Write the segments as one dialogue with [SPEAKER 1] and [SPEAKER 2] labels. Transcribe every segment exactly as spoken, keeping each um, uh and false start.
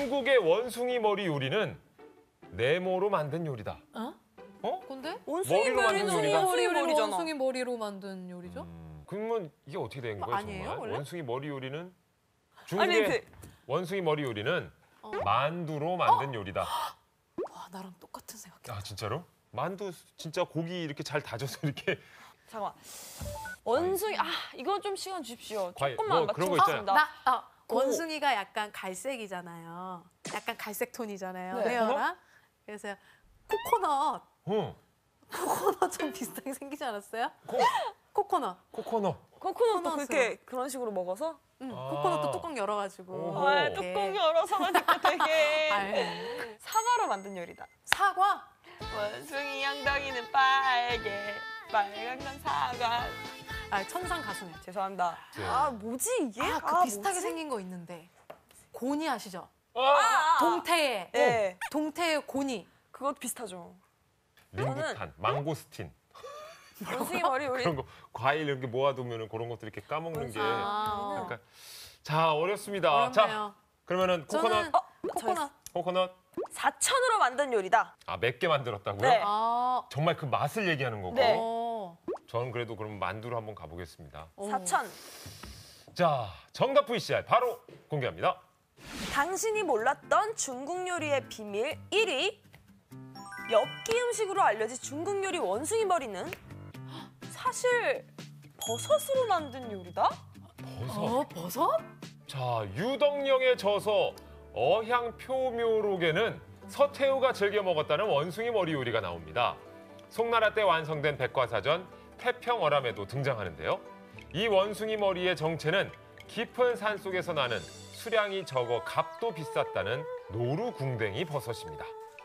[SPEAKER 1] 중국의 원숭이 머리 요리는 네모로 만든 요리다.
[SPEAKER 2] 어?
[SPEAKER 1] 어?
[SPEAKER 2] 근데?
[SPEAKER 3] 원숭이
[SPEAKER 1] 머리로 만든
[SPEAKER 3] 머리는
[SPEAKER 1] 요리다.
[SPEAKER 3] 원숭이
[SPEAKER 2] 머리를
[SPEAKER 3] 머리잖아.
[SPEAKER 2] 원숭이 머리로 만든 요리죠?
[SPEAKER 1] 음, 그러면 이게 어떻게 된
[SPEAKER 2] 뭐
[SPEAKER 1] 거예요,
[SPEAKER 2] 아니에요,
[SPEAKER 1] 정말?
[SPEAKER 2] 원래?
[SPEAKER 1] 원숭이 머리 요리는
[SPEAKER 3] 아니
[SPEAKER 1] 중국의
[SPEAKER 3] 근데
[SPEAKER 1] 원숭이 머리 요리는
[SPEAKER 2] 어.
[SPEAKER 1] 만두로 만든 요리다.
[SPEAKER 2] 와, 나랑 똑같은 생각.
[SPEAKER 1] 아, 진짜로? 만두 진짜 고기 이렇게 잘 다져서 이렇게
[SPEAKER 3] 잠깐만. 원숭이 아 이거 좀 시간 주십시오.
[SPEAKER 1] 과일,
[SPEAKER 3] 조금만
[SPEAKER 1] 뭐 그런 거
[SPEAKER 3] 맞춰보겠습니다.
[SPEAKER 2] 나 아,
[SPEAKER 3] 고.
[SPEAKER 2] 원숭이가 약간 갈색이잖아요. 약간 갈색 톤이잖아요.
[SPEAKER 3] 네.
[SPEAKER 2] 헤어랑. 그래서 코코넛.
[SPEAKER 1] 어,
[SPEAKER 2] 코코넛 좀 비슷하게 생기지 않았어요?
[SPEAKER 1] 코,
[SPEAKER 2] 코코넛.
[SPEAKER 1] 코코넛.
[SPEAKER 3] 코코넛도
[SPEAKER 2] 코코넛으로.
[SPEAKER 3] 그렇게 그런 식으로 먹어서?
[SPEAKER 2] 응,
[SPEAKER 1] 아.
[SPEAKER 2] 코코넛도 뚜껑 열어가지고.
[SPEAKER 1] 오호.
[SPEAKER 3] 아,
[SPEAKER 1] 이렇게.
[SPEAKER 3] 뚜껑 열어서 가지고 되게
[SPEAKER 2] 아유.
[SPEAKER 3] 사과로 만든 요리다.
[SPEAKER 2] 사과?
[SPEAKER 3] 원숭이 엉덩이는 빨개, 빨간 건 사과.
[SPEAKER 2] 아, 천상 가수네.
[SPEAKER 3] 죄송합니다.
[SPEAKER 1] 네.
[SPEAKER 3] 아 뭐지 이게?
[SPEAKER 2] 아, 그 비슷하게
[SPEAKER 3] 뭐지?
[SPEAKER 2] 생긴 거 있는데. 고니 아시죠?
[SPEAKER 1] 아,
[SPEAKER 2] 동태의.
[SPEAKER 3] 네.
[SPEAKER 2] 동태의 고니.
[SPEAKER 3] 그것도 비슷하죠.
[SPEAKER 1] 링구탄, 망고스틴
[SPEAKER 3] 원숭이 머리 요리.
[SPEAKER 1] 그런 거 과일 이렇게 모아두면 그런 것들 이렇게 까먹는 게
[SPEAKER 2] 아.
[SPEAKER 1] 약간 자 어렵습니다. 자
[SPEAKER 2] 어렵네요.
[SPEAKER 1] 그러면은 코코넛,
[SPEAKER 2] 저는
[SPEAKER 3] 어,
[SPEAKER 2] 코코넛.
[SPEAKER 1] 코코넛
[SPEAKER 3] 사천으로 만든 요리다.
[SPEAKER 1] 아 몇 개 만들었다고요?
[SPEAKER 3] 네.
[SPEAKER 2] 아.
[SPEAKER 1] 정말 그 맛을 얘기하는 거고.
[SPEAKER 3] 네.
[SPEAKER 2] 어.
[SPEAKER 1] 저는 그래도 그럼 만두로 한번 가보겠습니다.
[SPEAKER 2] 어.
[SPEAKER 3] 사천.
[SPEAKER 1] 자 정답 브이씨알 바로 공개합니다.
[SPEAKER 3] 당신이 몰랐던 중국 요리의 비밀 일 위. 엽기 음식으로 알려진 중국 요리 원숭이 머리는 사실 버섯으로 만든 요리다?
[SPEAKER 1] 버섯.
[SPEAKER 2] 어, 버섯?
[SPEAKER 1] 자 유덕령에 져서 어향표묘록에는 서태후가 즐겨 먹었다는 원숭이 머리 요리가 나옵니다. 송나라 때 완성된 백과사전 태평어람에도 등장하는데요. 이 원숭이 머리의 정체는 깊은 산 속에서 나는 수량이 적어 값도 비쌌다는 노루궁뎅이 버섯입니다.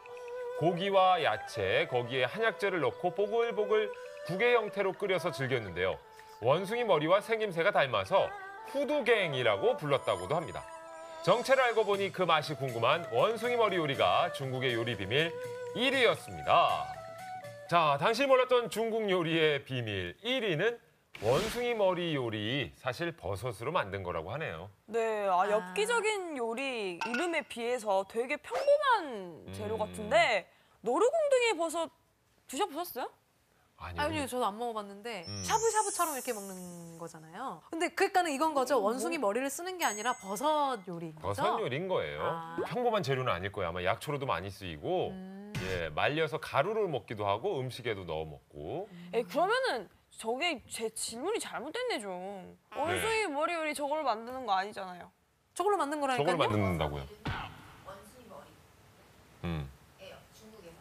[SPEAKER 1] 고기와 야채, 거기에 한약재를 넣고 보글보글 국의 형태로 끓여서 즐겼는데요. 원숭이 머리와 생김새가 닮아서 후두갱이라고 불렀다고도 합니다. 정체를 알고 보니 그 맛이 궁금한 원숭이 머리 요리가 중국의 요리 비밀 일 위였습니다. 자, 당신이 몰랐던 중국 요리의 비밀 일 위는 원숭이 머리 요리, 사실 버섯으로 만든 거라고 하네요.
[SPEAKER 3] 네, 아, 엽기적인 요리 이름에 비해서 되게 평범한 재료 같은데 노루궁뎅이 버섯 드셔보셨어요?
[SPEAKER 1] 아니요.
[SPEAKER 2] 아니요, 저도 안 먹어봤는데
[SPEAKER 1] 음.
[SPEAKER 2] 샤브샤브처럼 이렇게 먹는 거잖아요. 근데 그러니까는 이건 거죠. 원숭이 머리를 쓰는 게 아니라 버섯 요리인 거죠.
[SPEAKER 1] 버섯 요리인 거예요.
[SPEAKER 2] 아.
[SPEAKER 1] 평범한 재료는 아닐 거예요. 아마 약초로도 많이 쓰이고
[SPEAKER 2] 음.
[SPEAKER 1] 예, 말려서 가루를 먹기도 하고 음식에도 넣어 먹고.
[SPEAKER 3] 에 그러면은 저게 제 질문이 잘못됐네 좀. 원숭이 머리 요리 저걸 만드는 거 아니잖아요.
[SPEAKER 2] 저걸로 만든 거라니까요.
[SPEAKER 1] 저걸 만든다고요.
[SPEAKER 4] 원숭이 머리.
[SPEAKER 1] 음.
[SPEAKER 4] 예요. 중국에서.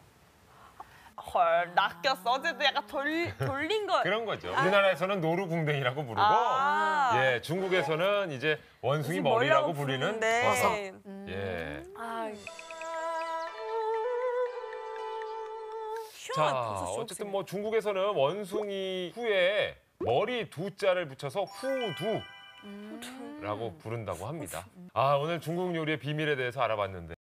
[SPEAKER 3] 헐, 낚였어. 어제도 약간 돌, 돌린 거.
[SPEAKER 1] 그런 거죠. 우리나라에서는 노루궁뎅이라고 부르고
[SPEAKER 3] 아.
[SPEAKER 1] 예, 중국에서는 이제 원숭이 머리라고 부르는
[SPEAKER 3] 부르는데.
[SPEAKER 1] 버섯.
[SPEAKER 2] 음.
[SPEAKER 1] 예.
[SPEAKER 3] 아.
[SPEAKER 1] 자,
[SPEAKER 3] 희한한 버섯
[SPEAKER 1] 어쨌든
[SPEAKER 3] 쇼
[SPEAKER 1] 뭐 중국에서는 원숭이 후에 머리 두 자를 붙여서 후두라고
[SPEAKER 2] 음.
[SPEAKER 1] 부른다고 합니다. 아, 오늘 중국 요리의 비밀에 대해서 알아봤는데